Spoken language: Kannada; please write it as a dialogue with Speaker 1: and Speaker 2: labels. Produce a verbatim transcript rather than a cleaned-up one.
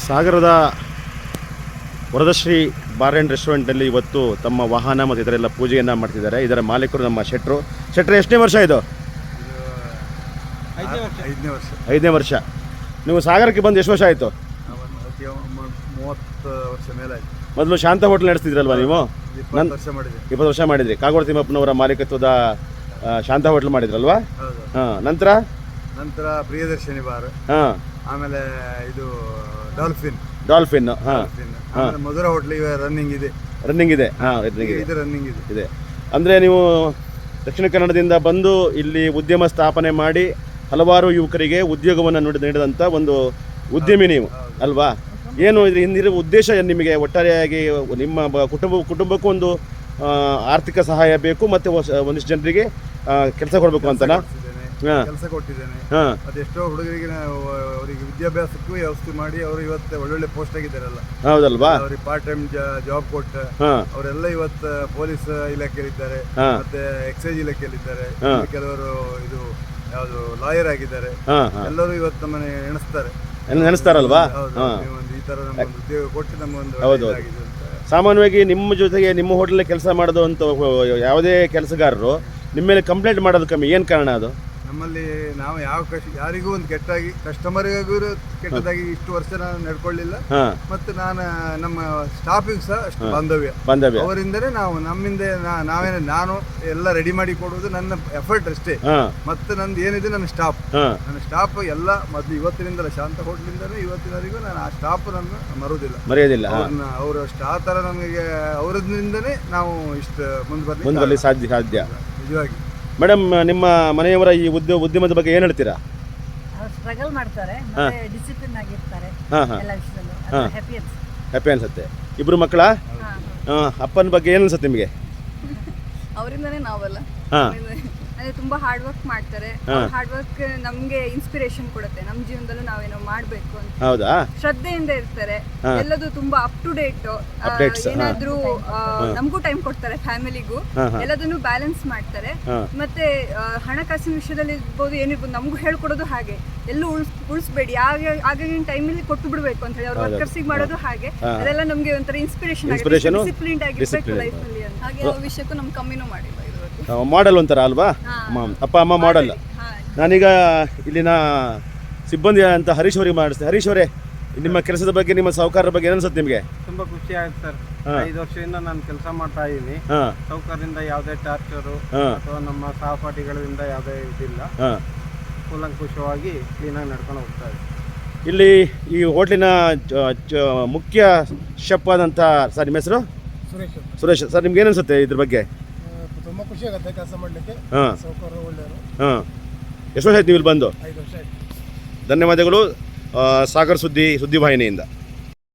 Speaker 1: ಸಾಗರದ ವರದಶ್ರೀ ಬಾರ್ ಆ್ಯಂಡ್ ರೆಸ್ಟೋರೆಂಟಲ್ಲಿ ಇವತ್ತು ತಮ್ಮ ವಾಹನ ಮತ್ತು ಇದರೆಲ್ಲ ಪೂಜೆಯನ್ನು ಮಾಡ್ತಿದ್ದಾರೆ. ಇದರ ಮಾಲೀಕರು ನಮ್ಮ ಶೆಟ್ರು. ಶೆಟ್ರು ಎಷ್ಟನೇ ವರ್ಷ ಇದು?
Speaker 2: ಐದನೇ ವರ್ಷ.
Speaker 1: ಐದನೇ ವರ್ಷ. ನೀವು ಸಾಗರಕ್ಕೆ ಬಂದು ಎಷ್ಟು ವರ್ಷ ಆಯಿತು?
Speaker 2: ಮೂವತ್ತು ವರ್ಷ ಮೇಲೆ ಆಯಿತು.
Speaker 1: ಮೊದಲು ಶಾಂತ ಹೋಟ್ಲ್ ನಡೆಸ್ತಿದ್ರಲ್ವ ನೀವು?
Speaker 2: ಇಪ್ಪತ್ತು ವರ್ಷ ಮಾಡಿದ್ವಿ.
Speaker 1: ಇಪ್ಪತ್ತು ವರ್ಷ ಮಾಡಿದ್ರಿ. ಕಾಗೋಡು ತಿಮ್ಮಪ್ಪನವರ ಮಾಲೀಕತ್ವದ ಶಾಂತ ಹೋಟ್ಲ್ ಮಾಡಿದ್ರಲ್ವಾ? ಹಾಂ. ನಂತರ
Speaker 2: ನಂತರ ಪ್ರಿಯದರ್ಶಿನಿ ಬಾರ್,
Speaker 1: ಹಾಂ,
Speaker 2: ಆಮೇಲೆ ಇದು ಡಾಲ್ಫಿನ್
Speaker 1: ಡಾಲ್ಫಿನ್, ಹಾಂ,
Speaker 2: ಆಮೇಲೆ ಮಧುರ ಹೋಟ್ಲ್ ಇವೆ ರನ್ನಿಂಗ್ ಇದೆ.
Speaker 1: ರನ್ನಿಂಗ್ ಇದೆ, ಹಾಂ, ರನ್ನಿಂಗ್ ಇದೆ,
Speaker 2: ಇದು ರನ್ನಿಂಗ್ ಇದೆ
Speaker 1: ಇದೆ. ಅಂದರೆ ನೀವು ದಕ್ಷಿಣ ಕನ್ನಡದಿಂದ ಬಂದು ಇಲ್ಲಿ ಉದ್ಯಮ ಸ್ಥಾಪನೆ ಮಾಡಿ ಹಲವಾರು ಯುವಕರಿಗೆ ಉದ್ಯೋಗವನ್ನು ನೀಡಿ ನೀಡಿದಂಥ ಒಂದು ಉದ್ಯಮಿ ನೀವು ಅಲ್ವಾ? ಏನು ಇದ್ರ ಹಿಂದಿರುವ ಉದ್ದೇಶ ಏನು ನಿಮಗೆ? ಒಟ್ಟಾರೆಯಾಗಿ ನಿಮ್ಮ ಬ- ಕುಟುಂಬ ಕುಟುಂಬಕ್ಕೂ ಒಂದು ಆರ್ಥಿಕ ಸಹಾಯ ಬೇಕು ಮತ್ತು ಒಂದಿಷ್ಟು ಜನರಿಗೆ ಕೆಲಸ ಕೊಡಬೇಕು ಅಂತನಾ? ಹಾಂ,
Speaker 2: ಕೆಲಸ ಕೊಟ್ಟಿದ್ದೇನೆ.
Speaker 1: ಹಾಂ,
Speaker 2: ಅದೆಷ್ಟೋ ಹುಡುಗರಿಗೆ ನಾವು ಅವರಿಗೆ ವಿದ್ಯಾಭ್ಯಾಸಕ್ಕೂ ವ್ಯವಸ್ಥೆ ಮಾಡಿ ಅವರು ಇವತ್ತು ಒಳ್ಳೊಳ್ಳೆ ಪೋಸ್ಟ್ ಆಗಿದ್ದಾರಲ್ಲ.
Speaker 1: ಹೌದಲ್ವಾ?
Speaker 2: ಅವ್ರಿಗೆ ಪಾರ್ಟ್ ಟೈಮ್ ಜಾಬ್ ಕೊಟ್ಟು
Speaker 1: ಹಾಂ,
Speaker 2: ಅವರೆಲ್ಲ ಇವತ್ತು ಪೊಲೀಸ್ ಇಲಾಖೆಯಲ್ಲಿದ್ದಾರೆ,
Speaker 1: ಹಾಂ,
Speaker 2: ಮತ್ತೆ ಎಕ್ಸೈಸ್ ಇಲಾಖೆಯಲ್ಲಿದ್ದಾರೆ,
Speaker 1: ಹಾಂ.
Speaker 2: ಕೆಲವರು ಇದು ಯಾವುದು ಲಾಯರ್ ಆಗಿದ್ದಾರೆ.
Speaker 1: ಹಾಂ, ಹಾಂ,
Speaker 2: ಎಲ್ಲರೂ ಇವತ್ತು ನಮ್ಮನೆ ಎಣಿಸ್ತಾರೆ.
Speaker 1: ಎಲ್ಲ ನೆನೆಸ್ತಾರಲ್ವಾ?
Speaker 2: ಹೌದು,
Speaker 1: ಹಾಂ.
Speaker 2: ನೀವೊಂದು ಈ ತರ ನಮಗೊಂದು ಉದ್ಯೋಗ ಕೊಟ್ಟು ನಮಗೊಂದು
Speaker 1: ಹೌದು.
Speaker 2: ಇದಾಗಿದೆ ಅಂತ.
Speaker 1: ಸಾಮಾನ್ಯವಾಗಿ ನಿಮ್ಮ ಜೊತೆಗೆ ನಿಮ್ಮ ಹೋಟೆಲ್ ಕೆಲಸ ಮಾಡೋದು ಅಂತ ಯಾವುದೇ ಕೆಲಸಗಾರರು ನಿಮ್ಮ ಮೇಲೆ ಕಂಪ್ಲೇಂಟ್ ಮಾಡೋದು ಕಮ್ಮಿ. ಏನು ಕಾರಣ ಅದು?
Speaker 2: ನಮ್ಮಲ್ಲಿ ನಾವು ಯಾವ ಕಷ್ಟ ಯಾರಿಗೂ ಒಂದು ಕೆಟ್ಟಾಗಿ ಕಸ್ಟಮರಿಗೂ ಕೆಟ್ಟದಾಗಿ ಇಷ್ಟು ವರ್ಷ ನಾನು ನಡ್ಕೊಳ್ಳಿಲ್ಲ.
Speaker 1: ಹಾಂ,
Speaker 2: ಮತ್ತು ನಾನು ನಮ್ಮ ಸ್ಟಾಫಿಗೂ ಸಹ ಅಷ್ಟು ಬಾಂಧವ್ಯ
Speaker 1: ಬಾಂಧವ್ಯ.
Speaker 2: ಅವರಿಂದಲೇ ನಾವು ನಮ್ಮಿಂದ ನಾ- ನಾವೇನು ನಾನು ಎಲ್ಲ ರೆಡಿ ಮಾಡಿ ಕೊಡುವುದು ನನ್ನ ಎಫರ್ಟ್ ಅಷ್ಟೇ.
Speaker 1: ಹಾಂ,
Speaker 2: ಮತ್ತು ನಂದು ಏನಿದೆ ನನ್ನ ಸ್ಟಾಫ್
Speaker 1: ಹಾಂ,
Speaker 2: ನನ್ನ ಸ್ಟಾಫ್ ಎಲ್ಲ ಮೊದಲು ಇವತ್ತಿನಿಂದಲೇ ಶಾಂತ ಹೋಟ್ಲಿಂದಲೇ ಇವತ್ತಿನವರೆಗೂ ನಾನು ಆ ಸ್ಟಾಫ್ ನನ್ನ ಮರುವುದಿಲ್ಲ,
Speaker 1: ಮರೆಯೋದಿಲ್ಲ. ಹಾಂ,
Speaker 2: ಅವ್ರನ್ನ ಅವರು ಅಷ್ಟು ಆ ಥರ ನಮಗೆ ಅವರಿಂದನೇ ನಾವು ಇಷ್ಟು ಮುಂದೆ
Speaker 1: ಮುಂದೆ
Speaker 2: ಬರಲಿ
Speaker 1: ಬರಲಿ ಸಾಧ್ಯ ಸಾಧ್ಯ
Speaker 2: ನಿಜವಾಗಿ.
Speaker 1: ಮೇಡಮ್, ನಿಮ್ಮ ಮನೆಯವರ ಈ ಉದ್ಯೋಗ ಉದ್ಯಮದ ಬಗ್ಗೆ ಏನು ಹೇಳ್ತೀರಾ?
Speaker 3: ಅವ್ರು ಸ್ಟ್ರಗಲ್ ಮಾಡ್ತಾರೆ, ಮತ್ತೆ ಡಿಸಿಪ್ಲಿನ್ ಆಗಿರ್ತಾರೆ
Speaker 1: ಹಾಂ, ಹಾಂ,
Speaker 3: ಎಲ್ಲ ವಿಷಯದಲ್ಲೂ.
Speaker 1: ಹಾಂ.
Speaker 3: ಹ್ಯಾಪಿ ಅನ್ಸುತ್ತೆ.
Speaker 1: ಹ್ಯಾಪಿ ಅನ್ಸುತ್ತೆ. ಇಬ್ಬರು ಮಕ್ಕಳ? ಹಾಂ. ಅಪ್ಪನ ಬಗ್ಗೆ ಏನು ಅನ್ಸುತ್ತೆ ನಿಮಗೆ?
Speaker 4: ಅವರಿಂದನೇ ನಾವೆಲ್ಲ
Speaker 1: ಹಾಂ,
Speaker 4: ಅಂದ್ರೆ ತುಂಬಾ ಹಾರ್ಡ್ ವರ್ಕ್ ಮಾಡ್ತಾರೆ. ಹಾರ್ಡ್ ವರ್ಕ್ ನಮ್ಗೆ ಇನ್ಸ್ಪಿರೇಷನ್ ಕೊಡುತ್ತೆ. ನಮ್ಮ ಜೀವನದಲ್ಲೂ ನಾವೇನೋ ಮಾಡ್ಬೇಕು ಅಂತ
Speaker 1: ಹೌದಾ?
Speaker 4: ಶ್ರದ್ಧೆಯಿಂದ ಇರ್ತಾರೆ.
Speaker 1: ಹಾ.
Speaker 4: ಎಲ್ಲದು ತುಂಬಾ ಅಪ್ ಟು ಡೇಟ್.
Speaker 1: Updates, ಹಾ.
Speaker 4: ಏನಾದ್ರೂ ಆ, ನಮಗೂ ಟೈಮ್ ಕೊಡ್ತಾರೆ, ಫ್ಯಾಮಿಲಿಗೂ
Speaker 1: ಹಾ, ಹಾ.
Speaker 4: ಎಲ್ಲದನ್ನು ಬ್ಯಾಲೆನ್ಸ್ ಮಾಡ್ತಾರೆ.
Speaker 1: ಹಾ.
Speaker 4: ಮತ್ತೆ ಆ, ಹಣಕಾಸಿನ ವಿಷಯದಲ್ಲಿ ಇರ್ಬೋದು, ಏನಿರ್ಬೋದು, ನಮಗೂ ಹೇಳ್ಕೊಡೋದು ಹಾಗೆ. ಎಲ್ಲೂ ಉಳ್ಸ್ ಉಳಿಸ್ಬೇಡಿ, ಆಗ ಆಗಿನ ಟೈಮಲ್ಲಿ ಕೊಟ್ಟು ಬಿಡ್ಬೇಕು ಅಂತ ಹೇಳಿ ಅವ್ರ
Speaker 1: ಹೌದು.
Speaker 4: ವರ್ಕರ್ಸಿಗೆ ಮಾಡೋದು ಹಾಗೆ.
Speaker 1: ಹಾ.
Speaker 4: ಅದೆಲ್ಲ ನಮ್ಗೆ ಒಂಥರ ಇನ್ಸ್ಪಿರೇಷನ್
Speaker 1: Inspiration,
Speaker 4: ಆಗುತ್ತೆ. ಡಿಸಿಪ್ಲಿನ್ಡ್ ಆಗಿರ್ಬೇಕು
Speaker 1: discipline.
Speaker 4: ಲೈಫ್ ಅಲ್ಲಿ ಅಂತ. ಹಾಗೆ ಯಾವ ವಿಷಯಕ್ಕೂ ನಮ್ ಕಮ್ಮಿನೂ ಮಾಡಿಲ್ಲ ಇದುವರೆಗೂ.
Speaker 1: ಮಾಡೆಲ್ ಒಂಥರ ಅಲ್ವಾ?
Speaker 4: ಹಾ.
Speaker 1: ಅಮ್ಮ ಅಪ್ಪ ಅಮ್ಮ ಮಾಡೆಲ್.
Speaker 4: ಹಾ.
Speaker 1: ನಾನೀಗ ಇಲ್ಲಿನ ಸಿಬ್ಬಂದಿ ಅಂತ ಹರೀಶ್ ಅವರಿಗೆ ಮಾಡಿಸ್ತೀನಿ. ಹರೀಶ್ ಅವರೇ, ನಿಮ್ಮ ಕೆಲಸದ ಬಗ್ಗೆ, ನಿಮ್ಮ ಸಹಕಾರದ ಬಗ್ಗೆ ಏನು ಅನ್ಸುತ್ತೆ ನಿಮಗೆ?
Speaker 5: ತುಂಬ ಖುಷಿ ಆಯ್ತು ಸರ್.
Speaker 1: ಹಾ.
Speaker 5: ಐದು ವರ್ಷದಿಂದ ನಾನು ಕೆಲಸ ಮಾಡ್ತಾ ಇದ್ದೀನಿ.
Speaker 1: ಹಾಂ,
Speaker 5: ಸೌಕರ್ಯದಿಂದ ಯಾವುದೇ ಟಾರ್ಚರು
Speaker 1: ಹಾಂ,
Speaker 5: ಅಥವಾ ನಮ್ಮ ಸಹಪಾಠಿಗಳಿಂದ ಯಾವುದೇ ಇದಿಲ್ಲ.
Speaker 1: ಹಾಂ.
Speaker 5: ಕೂಲಂಕುಷವಾಗಿ ಕ್ಲೀನಾಗಿ ನಡ್ಕೊಂಡು ಹೋಗ್ತಾ ಇದೆ.
Speaker 1: ಇಲ್ಲಿ ಈ ಹೋಟ್ಲಿನ ಜ- ಜ- ಮುಖ್ಯ ಶೆಫ್ ಆದಂಥ ಸರ್, ನಿಮ್ಮ ಹೆಸರು?
Speaker 6: ಸುರೇಶ್ ಅಂತ.
Speaker 1: ಸುರೇಶ್ ಸರ್, ನಿಮ್ಗೆ ಏನು ಅನ್ಸುತ್ತೆ ಇದ್ರ ಬಗ್ಗೆ?
Speaker 6: ಆ, ತುಂಬ ಖುಷಿ ಆಗುತ್ತೆ ಕೆಲಸ ಮಾಡಲಿಕ್ಕೆ.
Speaker 1: ಹಾಂ,
Speaker 6: ಸೌಕರ್ಯ ಒಳ್ಳೆಯವರು.
Speaker 1: ಹಾಂ. ಎಷ್ಟು ವರ್ಷ ಆಯ್ತು ನೀವು ಇಲ್ಲಿ ಬಂದು?
Speaker 6: ಐದು ವರ್ಷ ಆಯ್ತು.
Speaker 1: ಧನ್ಯವಾದಗಳು. ಆ, ಸಾಗರ್ ಸುದ್ದಿ ಸುದ್ದಿವಾಹಿನಿಯಿಂದ.